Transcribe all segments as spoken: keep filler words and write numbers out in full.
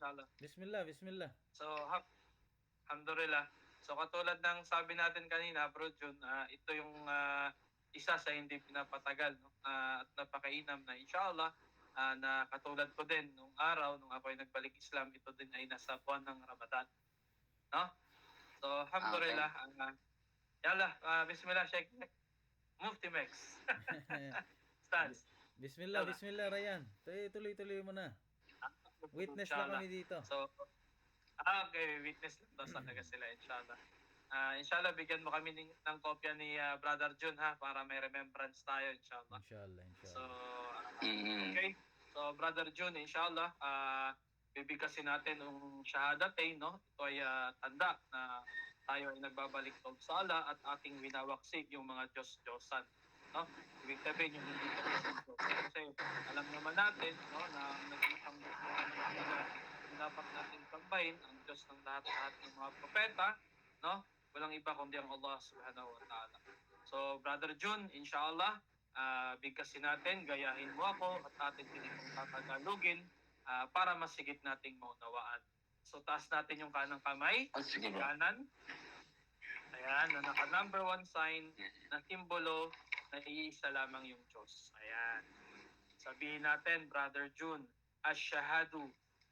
inshallah. Bismillah, bismillah. So, hap alhamdulillah. So, katulad ng sabi natin kanina, Bro Jun, ah, ito yung ah, isa sa hindi pinapatagal, no? Ah, at napakainam na inshallah, ah, na katulad ko din nung araw nung ako ay nagbalik Islam, ito din ay nasa buwan ng Ramadan, no? So, alhamdulillah, ah, yalla, ah, bismillah, Sheikh Mufti Mex. Stance. Bismillah, Yalla. bismillah, Ryan. Tuloy- Tuloy-tuloy mo na. Witness lang Inshallah. kami dito. So, ah, okay, witness lang daw talaga sila, inshallah. Ah, inshallah, bigyan mo kami ng, ng kopya ni ah, Brother Jun, ha, para may remembrance tayo, inshallah. Inshallah, So, inshallah. ah, okay. So, Brother Jun, inshallah, ah, bibigkasin natin yung shahadatain, no? Ito ay ah, tanda na tayo ay nagbabalik tawag sa Allah at ating winawaksik yung mga Diyos-Diyosan, no? Ibig sabihin yung hindi ko kasi alam naman natin, no, na nag-isang yung dapat natin sambahin ang Diyos ng lahat-lahat ng mga propeta, no? Walang iba kundi ang Allah subhanahu wa ta'ala. So, Brother Jun, inshallah, uh, bigkasin natin, gayahin mo ako at atin din itong tatagalugin uh, para masigit nating maunawaan. So, taas natin yung kanang kamay, Oh, sige bro. kanan. Ayan, na naka number one sign na simbolo na iisa lamang yung Diyos. Ayan. Sabihin natin, Brother Jun, Asyhadu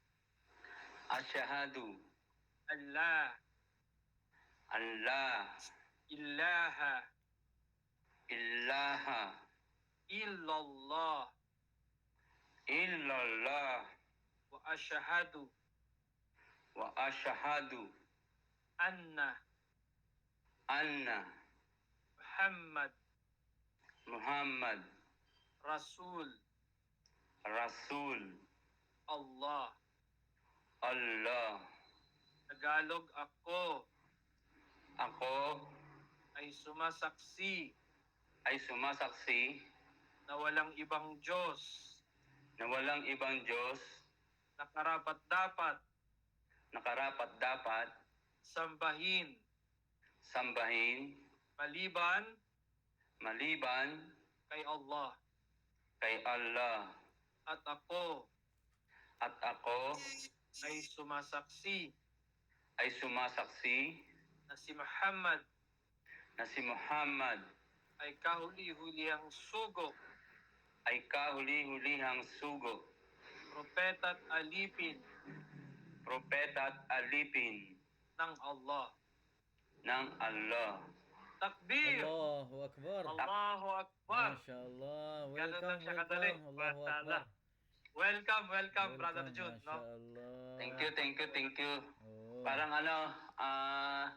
Asyhadu Allah Allah ilaha ilaha illallah illallah wa asyhadu wa asyhadu anna anna Muhammad Muhammad Rasul Rasul Allah. Allah. Tagalog, ako Ako ay sumasaksi ay sumasaksi na walang ibang Diyos na walang ibang Diyos na karapat-dapat na karapat-dapat sambahin sambahin maliban maliban kay Allah. kay Allah. At ako At ako ay sumasaksi ay sumasaksi na si Muhammad na si Muhammad ay kahuli-hulihang sugo, ay kahuli-hulihang sugo, propeta at alipin propeta at alipin ng Allah. ng Allah. Takbir! Allahu Akbar. Allahu Akbar! Mashallah. Ganun Welcome, lang siya kadali. welcome. Allahu Mashallah. Akbar. Welcome, welcome, Brother Jun. No? Mashallah. Thank you, thank you, thank you. Oh. Parang ano, ah,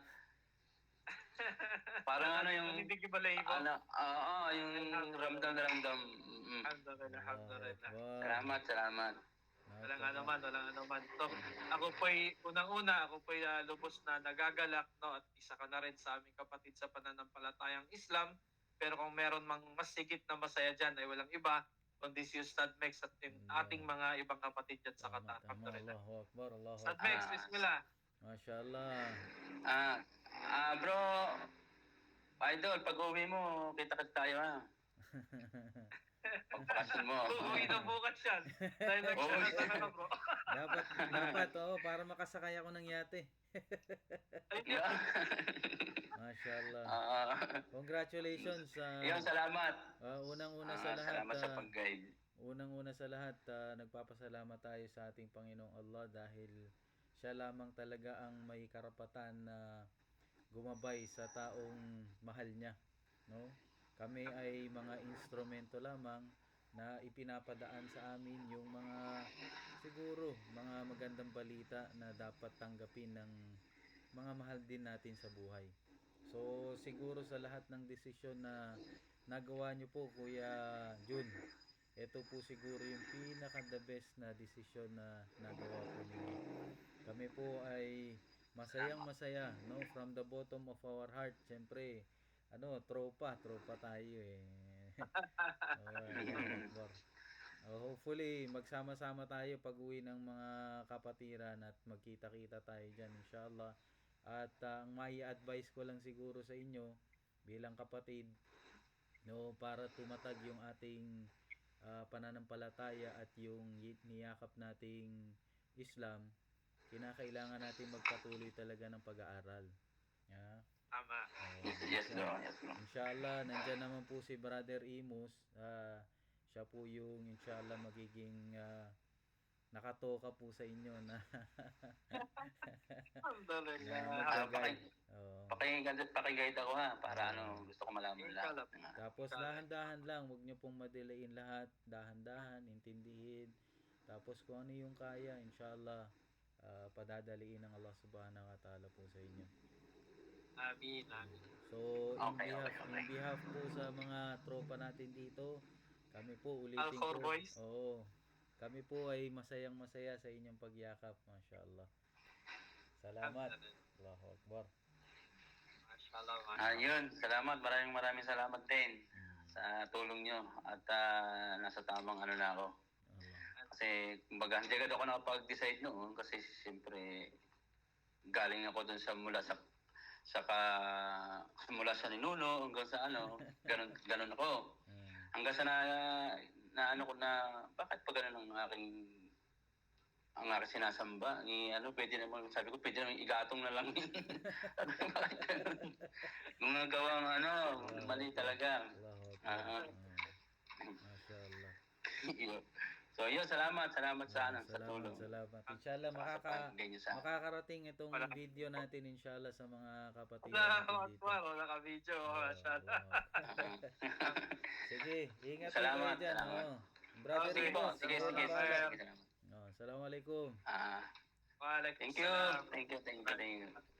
parang ano yung, Hindi kibalay ko. ano, oo, yung ramdam na ramdam. Mm. Alhamdulillah, alhamdulillah. Akbar. Salamat, salamat. Walang ano man, walang ano man. So, ako po'y, unang-una, ako po'y uh, lubos na nagagalak, no? At isa ka na rin sa aming kapatid sa pananampalatayang Islam. Pero kung meron mang mas sigit na masaya dyan, ay walang iba, kundi si Ustad Mex at yung ating mga ibang kapatid dyan sa Tama, Qatar. tama. Alhamdulillah. Allahu Akbar. Allahu Ustad Akbar. Mex, bismillah. Mashallah. Ah, ah, bro, idol, pag uwi mo, kita-kita tayo ha. Pagpakasyon mo. Uuwi na bukas yan. Dahil nagsalata na ka, bro. Dapat, dapat, oo, para makasakay ako ng yate. Ayun. Mashallah. Ah, Congratulations sa Iyon, salamat. ah, unang-una Ah, sa lahat. salamat sa ah, pag-guide. Unang-una sa lahat, ah, nagpapasalamat tayo sa ating Panginoong Allah dahil siya lamang talaga ang may karapatan na gumabay sa taong mahal niya, no? Kami ay mga instrumento lamang na ipinapadaan sa amin yung mga siguro mga magandang balita na dapat tanggapin ng mga mahal din natin sa buhay. So siguro sa lahat ng desisyon na nagawa niyo po, Kuya Jun, ito po siguro yung pinaka the best na desisyon na nagawa po ninyo. Kami po ay masayang masaya, no, from the bottom of our heart. Siyempre, ano, tropa, tropa tayo eh. Alright, Allahu Akbar. Uh, hopefully, magsama-sama tayo pag uwi ng mga kapatiran at magkita-kita tayo dyan, inshallah. At uh, ang may advice ko lang siguro sa inyo bilang kapatid, no, para tumatag yung ating uh, pananampalataya at yung niyakap nating Islam, kinakailangan natin magpatuloy talaga ng pag-aaral. Yeah. Tama. Oh, Yes, yes, bro. insya- Yes, bro. Inshallah, nandyan naman po si Brother Imus. Ah, siya po yung inshallah magiging ah, nakatoka po sa inyo na Alhamdulillah. na Ah, mag-guide. paki- Oo. Pakiguide, pakiguide ako ha, para ano, gusto ko malaman lahat. Inshallah. Tapos Correct. dahan-dahan lang, huwag niyo pong madelayin lahat, dahan-dahan, intindihin. Tapos kung ano yung kaya, inshallah, ah, padadaliin ng Allah Subhanahu wa Ta'ala po sa inyo. Amin, amin. So, in Okay, behalf, okay, in okay. behalf po sa mga tropa natin dito, kami po ulitin Alcor ko. boys. Oo. Kami po ay masayang masaya sa inyong pagyakap, mashallah. Salamat. Allahu Akbar. Mashallah. Ah, yun. Salamat. Maraming maraming salamat din Mm, sa tulong nyo. At ah, nasa tamang ano na ako. Allah. Kasi, kumbaga, hindi agad ako nakapag-decide noon kasi siyempre galing ako dun sa mula sa sa ka, mula sa ninuno hanggang sa ano, ganun, ganun ako. Mm, Hanggang sa na, na ano ko na, bakit pa ganun ang aking ang aking sinasamba? Ni, ano, pwede naman, sabi ko, pwede naman igatong na lang yun. Sabi ko, bakit ganun? Nung nagawa ng ano, mali talaga. Allahu Ah, Akbar. Mm, mashallah. Yun. So, yun, salamat. Salamat sa, ano, sa Salamat, tulong. salamat. Inshallah, Sa makaka, pagbigay niyo sa makakarating itong Wala. video natin inshallah sa mga kapatid Allahu natin dito. Akbar. Wala ka video. Oo, Mashallah. oo. Sige, ingat po Salamat, kayo dyan. salamat. Oh. Brother Oh, Sige po, Imus, sige, ikaw sige, na sige, bahala. sige, salamat. Oh, assalamualaikum. Ah, Waalaikumsalam. thank you, thank you, thank you, thank you.